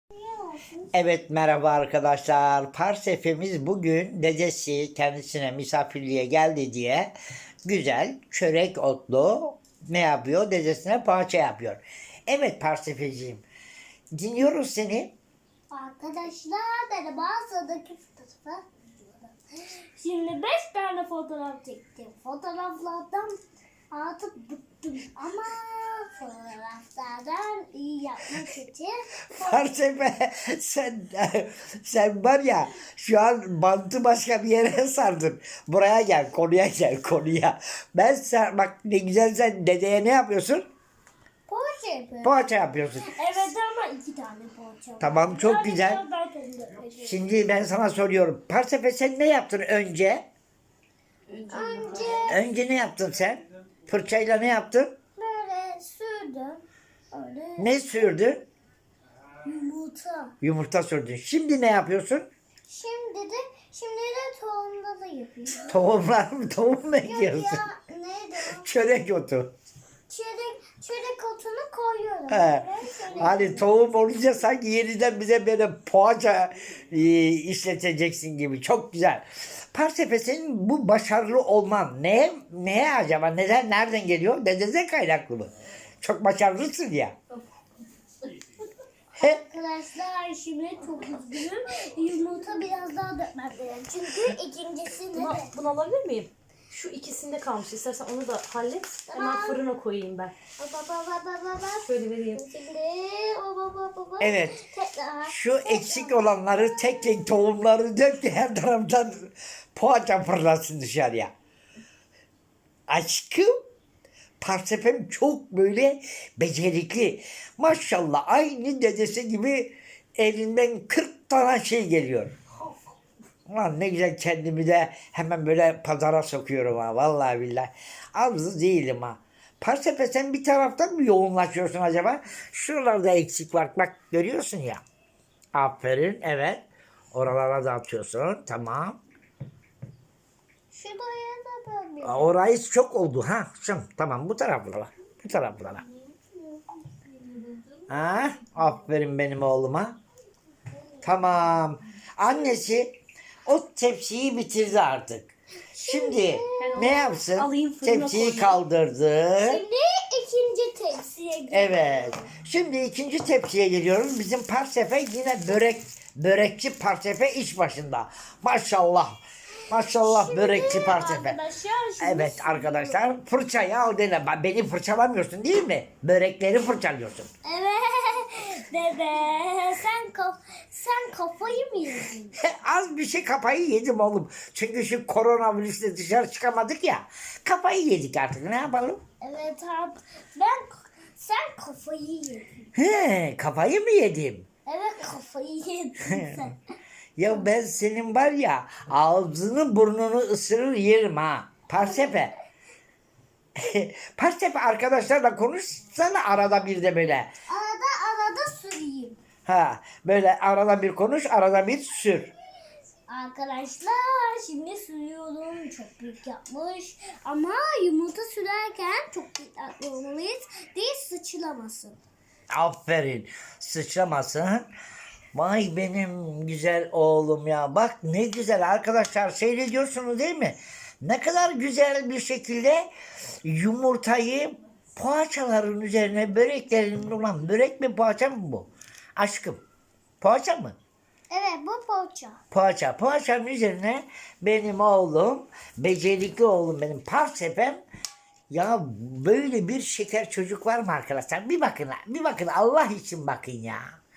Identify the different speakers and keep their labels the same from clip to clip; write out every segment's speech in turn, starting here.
Speaker 1: Evet, merhaba arkadaşlar. Parsefemiz bugün dedesi kendisine misafirliğe geldi diye güzel çörek otlu ne yapıyor? Dedesine poğaça yapıyor. Evet Parsefeciğim, dinliyoruz seni.
Speaker 2: Arkadaşlar merhaba, sıradaki fotoğrafı. Şimdi 5 tane fotoğraf çektim. Fotoğraflardan artık bıktım ama fotoğraflardan iyi yapmak için
Speaker 1: Parsefe sen var ya şu an bantı başka bir yere sardın. Buraya gel, konuya gel, konuya. Bak ne güzel, sen dedeye ne yapıyorsun?
Speaker 2: poğaça yapıyorum.
Speaker 1: Poğaça yapıyorsun.
Speaker 2: Evet ama 2 tane poğaça var.
Speaker 1: Tamam, çok
Speaker 2: Yani
Speaker 1: güzel.
Speaker 2: ben kendim yapacağım.
Speaker 1: Şimdi ben sana soruyorum. Parsefe, sen ne yaptın önce?
Speaker 2: Önce
Speaker 1: Ne yaptın sen? Fırçayla ne yaptın?
Speaker 2: böyle sürdüm. Öyle
Speaker 1: Ne sürdün?
Speaker 2: yumurta.
Speaker 1: Yumurta sürdün. Şimdi ne yapıyorsun?
Speaker 2: Şimdi de tohumda da yapıyorum.
Speaker 1: Tohum mu
Speaker 2: Yok
Speaker 1: ekiyorsun?
Speaker 2: ya, neydi o?
Speaker 1: Çörek otu.
Speaker 2: Çörek otunu koyuyorum.
Speaker 1: He. Hani tohum olunca sanki yeniden bize böyle poğaça işleteceksin gibi. Çok güzel. Parsefe, senin bu başarılı olman neye acaba? Nereden geliyor? Dededen kaynaklı mı? Çok başarılısın ya.
Speaker 2: Arkadaşlar şimdi çok üzgünüm. Yumurta biraz daha dökmem gerek. Çünkü ikincisinde de.
Speaker 3: Bunu alabilir miyim? Şu ikisinde kalmış. İstersen onu da hallet. Hemen
Speaker 2: Tamam.
Speaker 3: fırına koyayım ben.
Speaker 2: Baba.
Speaker 3: Şöyle vereyim.
Speaker 2: Şimdi baba.
Speaker 1: Evet.
Speaker 2: Tekrar.
Speaker 1: Şu eksik olanları tek tek tohumları dök ki her taraftan poğaça fırlasın dışarıya. Aşkım, Parsefem çok böyle becerikli. Maşallah aynı dedesi gibi elinden 40 tane şey geliyor. Ulan ne güzel, kendimi de hemen böyle pazara sokuyorum ha, vallahi billahi. Az değilim ha. Parsefe, sen bir taraftan mı yoğunlaşıyorsun acaba? Şuralarda eksik var. Bak görüyorsun ya. Aferin, evet. Oralara da atıyorsun. Tamam.
Speaker 2: Şuraya da böyle.
Speaker 1: Orayı çok oldu ha. Tamam, bu taraflara. Bu taraflara. Ha, aferin benim oğluma. Tamam. Annesi o tepsiyi bitirdi artık. Şimdi
Speaker 3: Ben
Speaker 1: ne
Speaker 3: onu
Speaker 1: yapsın?
Speaker 3: alayım, fırına
Speaker 1: Tepsiyi
Speaker 3: koyayım.
Speaker 1: kaldırdı.
Speaker 2: Şimdi ikinci tepsiye gidiyorum.
Speaker 1: Evet. Şimdi ikinci tepsiye geliyoruz. Bizim Parsefe yine börekçi Parsefe iş başında. Maşallah. Maşallah börekçi Parsefe.
Speaker 2: Arkadaşlar şimdi
Speaker 1: Evet arkadaşlar, fırçayı al dene. Beni fırçalamıyorsun değil mi? Börekleri fırçalıyorsun.
Speaker 2: Evet. Dede sen kafayı mı yedin?
Speaker 1: Az bir şey kafayı yedim oğlum. Çünkü şu koronavirüsle dışarı çıkamadık ya. Kafayı yedik artık, ne yapalım?
Speaker 2: Evet abi. Sen kafayı yedin.
Speaker 1: Kafayı mı yedim?
Speaker 2: Evet kafayı yedin sen.
Speaker 1: Ya ben senin var ya, ağzını burnunu ısırır yerim ha. Parsefe. Parsefe, arkadaşlarla konuşsana arada bir de böyle.
Speaker 2: Arada süreyim.
Speaker 1: Ha, böyle arada bir konuş, arada bir sür.
Speaker 2: Arkadaşlar şimdi sürüyorum. Çok büyük yapmış. Ama yumurta sürerken çok dikkatli olmalıyız. Değil sıçramasın.
Speaker 1: Aferin. Sıçramasın. Vay benim güzel oğlum ya. Bak ne güzel arkadaşlar, seyrediyorsunuz değil mi? Ne kadar güzel bir şekilde yumurtayı poğaçaların üzerine, böreklerin, ulan börek mi poğaça mı bu? Aşkım, poğaça mı?
Speaker 2: Evet bu poğaça.
Speaker 1: Poğaça. Poğaçanın üzerine benim oğlum, becerikli oğlum benim Parsefem. Ya böyle bir şeker çocuk var mı arkadaşlar? Bir bakın Allah için bakın ya.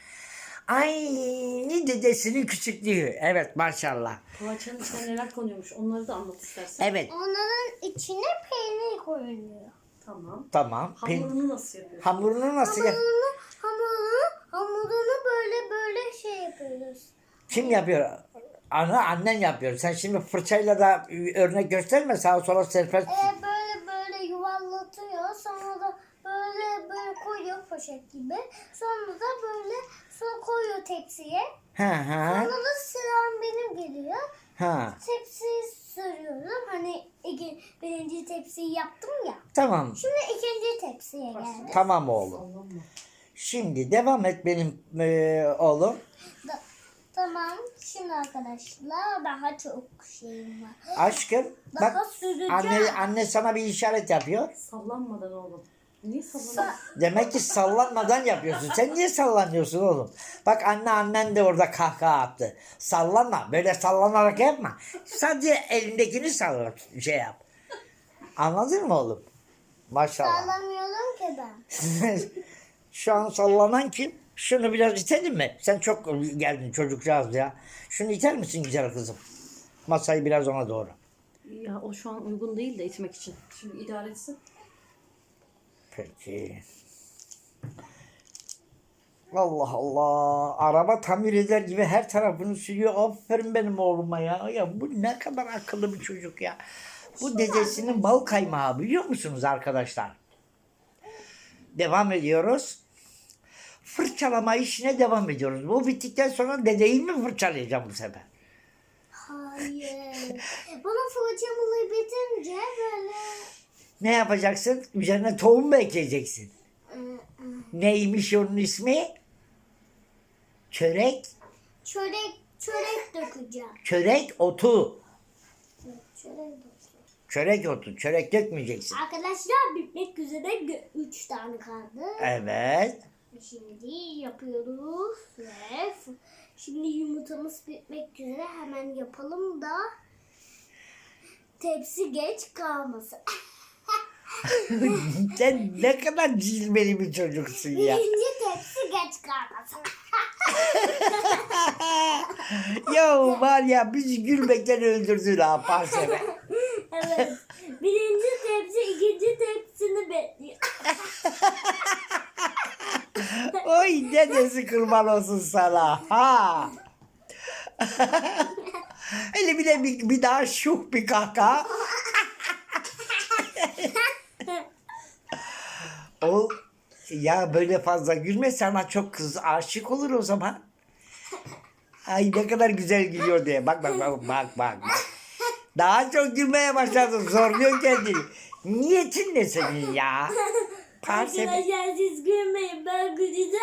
Speaker 1: Aynı dedesinin küçüklüğü. Evet maşallah.
Speaker 3: Poğaçanın içine neler konuyormuş. Onları da anlat istersen.
Speaker 1: Evet,
Speaker 2: Onların içine peynir koyuluyor.
Speaker 3: Tamam.
Speaker 1: tamam.
Speaker 3: Hamurunu nasıl yapıyorsun?
Speaker 1: Hamurunu nasıl yap?
Speaker 2: Hamurunu böyle şey yapıyoruz.
Speaker 1: Kim yapıyor? Annen yapıyor. Sen şimdi fırçayla da örnek gösterme, sağa sola serpest.
Speaker 2: Böyle yuvarlatıyor. Sonra da böyle koyuyor poşet gibi. Sonra da böyle koyuyor tepsiye.
Speaker 1: Ha.
Speaker 2: Sonra da sıram benim geliyor.
Speaker 1: Ha.
Speaker 2: Tepsiyi sürüyorum. Hani birinci tepsiyi yaptım ya.
Speaker 1: Tamam.
Speaker 2: Şimdi ikinci tepsiye geldi.
Speaker 1: Tamam oğlum.
Speaker 3: Tamam mı?
Speaker 1: Şimdi devam et benim oğlum.
Speaker 2: Tamam. Şimdi arkadaşlar daha çok şeyim var.
Speaker 1: Aşkım
Speaker 2: Daha
Speaker 1: bak
Speaker 2: süreceğim.
Speaker 1: anne sana bir işaret yapıyor.
Speaker 3: Sallanmadan oğlum. Niye sallanıyorsun?
Speaker 1: Demek ki sallanmadan yapıyorsun. Sen niye sallanıyorsun oğlum? Bak annen de orada kahkaha attı. Sallanma. Böyle sallanarak yapma. Sadece elindekini salla, şey yap. Anladın mı oğlum? Maşallah.
Speaker 2: Sallamıyorum ki ben.
Speaker 1: Şu an sallanan kim? Şunu biraz itelim mi? Sen çok geldin çocukcağız ya. Şunu iter misin güzel kızım? Masayı biraz ona doğru.
Speaker 3: Ya o şu an uygun değil de itmek için. Şimdi idare etsin.
Speaker 1: Peki. Allah Allah. Araba tamir eder gibi her tarafını sürüyor. Aferin benim oğluma ya. Ya bu ne kadar akıllı bir çocuk ya. Bu dedesinin bal kaymağı biliyor musunuz arkadaşlar? Devam ediyoruz. Fırçalama işine devam ediyoruz. Bu bittikten sonra dedeyi mi fırçalayacağım bu sefer?
Speaker 2: Hayır. Bana fırçamı bitince böyle
Speaker 1: Ne yapacaksın? Üzerine tohum mu ekleyeceksin? Neymiş onun ismi? Çörek
Speaker 2: çörek dökeceğim.
Speaker 1: Çörek otu.
Speaker 2: Çörek dökeceğim.
Speaker 1: Çörek otu. Çörek dökmeyeceksin.
Speaker 2: Arkadaşlar bitmek üzere 3 tane kaldı.
Speaker 1: Evet.
Speaker 2: Şimdi yapıyoruz ve şimdi yumurtamız bitmek üzere hemen yapalım da tepsi geç kalmasın.
Speaker 1: Sen ne kadar cilveli bir çocuksun ya.
Speaker 2: Birinci tepsi geç kalmasın.
Speaker 1: Ya var ya bizi gülmekten öldürdün ha parseme.
Speaker 2: Evet. Birinci tepsi ikinci tepsini bekliyor.
Speaker 1: Oy dedesi kurban olsun sana. Ha. Hele bir de bir daha şuh bir kahkaha. O ya böyle fazla gülme sana çok kız aşık olur o zaman. Ay ne kadar güzel gülüyor diye. Bak. Daha çok gülmeye başladın. Zorluyor kendini. Niyetin ne senin ya? Parseme.
Speaker 2: Arkadaşlar siz gülmeyin ben güleceğim.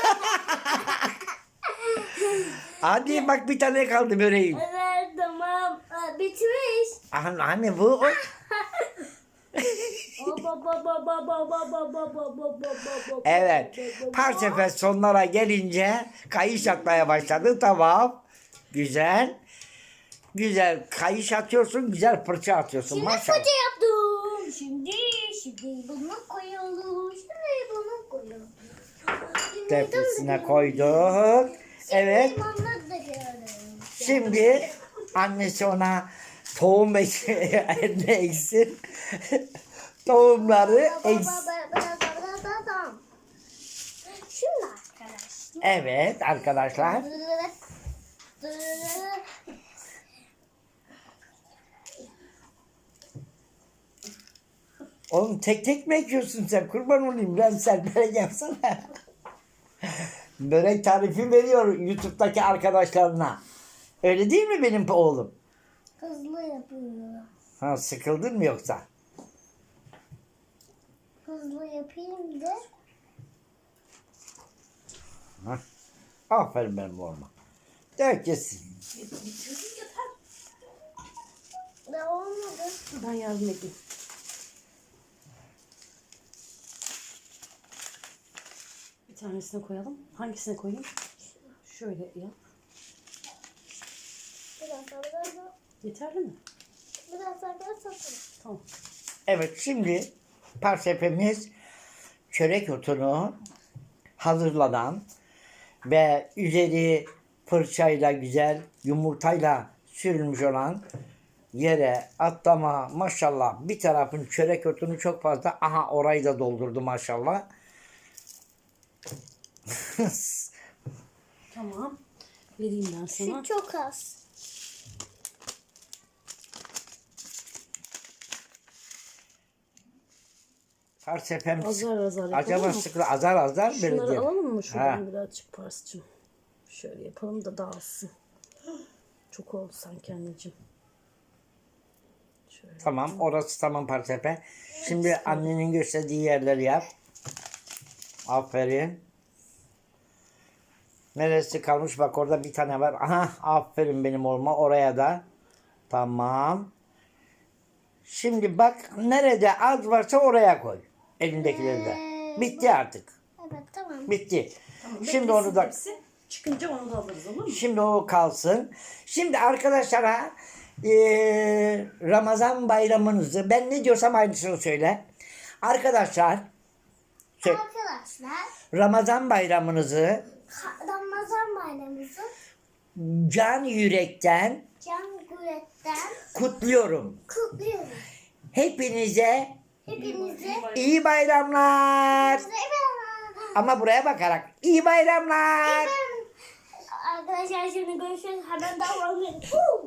Speaker 1: Hadi bak bir tane kaldı böreğim.
Speaker 2: Evet tamam. Bitmiş.
Speaker 1: Anne bu o. Evet. Parsefer sonlara gelince kayış atmaya başladı. Tamam. Güzel. Güzel kayış atıyorsun. Güzel fırça atıyorsun.
Speaker 2: Şimdi
Speaker 1: Maşallah.
Speaker 2: fırça yaptım. Şimdi bunu koyalım. Şimdi bunu koyalım.
Speaker 1: Tepsisine koyduk. Evet.
Speaker 2: Limonları da koyalım.
Speaker 1: Şimdi annesi ona tohum ne eksin. Tohumları eksin.
Speaker 2: Tamam. Şimdi arkadaşlar.
Speaker 1: Evet arkadaşlar. Oğlum tek tek mi ekiyorsun sen? Kurban olayım ben sen börek yapsana. Börek tarifi veriyor YouTube'daki arkadaşlarına. Öyle değil mi benim oğlum?
Speaker 2: Hızlı yapıyor.
Speaker 1: Ha sıkıldın mı yoksa?
Speaker 2: Hızlı yapayım da.
Speaker 1: Ha. Aferin benim oğluma. Dök yesin.
Speaker 2: Ne olmadı?
Speaker 3: Ben yardım edeyim. Bir tanesine koyalım. Hangisine koyayım? Şöyle yap.
Speaker 2: Biraz daha.
Speaker 3: Yeterli mi?
Speaker 2: Biraz daha satalım.
Speaker 3: Tamam.
Speaker 1: Evet şimdi parsefemiz çörek otunu hazırlanan ve üzeri fırçayla güzel yumurtayla sürülmüş olan yere atlama maşallah bir tarafın çörek otunu çok fazla. Aha orayı da doldurdu maşallah.
Speaker 3: Tamam. Vereyim ben sana.
Speaker 2: Şu çok az.
Speaker 1: Parsefem
Speaker 3: Azar azar yapalım
Speaker 1: acaba
Speaker 3: mı?
Speaker 1: sıkı azar böyle
Speaker 3: Şunları
Speaker 1: diyelim.
Speaker 3: alalım mı şuradan
Speaker 1: Ha.
Speaker 3: birazcık Pars'cığım? Şöyle yapalım da dağılsın. Çok oldu sanki anneciğim. Şöyle.
Speaker 1: Tamam orası tamam parsefe. Şimdi annenin gösterdiği yerleri yap. Aferin. Neresi kalmış? Bak orada bir tane var. Aha, aferin benim oğluma. Oraya da. Tamam. Şimdi bak nerede az varsa oraya koy. Elindekileri de. Bitti artık.
Speaker 2: Evet tamam.
Speaker 1: Bitti.
Speaker 3: Tamam,
Speaker 1: Şimdi onu da
Speaker 3: beklesin hepsi. Çıkınca onu da alırız, olur mu?
Speaker 1: şimdi o kalsın. Şimdi arkadaşlara Ramazan bayramınızı ben ne diyorsam aynısını söyle. Arkadaşlar
Speaker 2: Arkadaşlar
Speaker 1: Ramazan bayramınızı
Speaker 2: Ramazan bayramımızı
Speaker 1: can yürekten
Speaker 2: can yürekten
Speaker 1: kutluyorum.
Speaker 2: kutluyoruz.
Speaker 1: Hepinize
Speaker 2: Hepinize
Speaker 1: iyi bayramlar. Ama buraya bakarak iyi bayramlar.
Speaker 2: Arkadaşlar şimdi görüşürüz. Hemen davranmayın.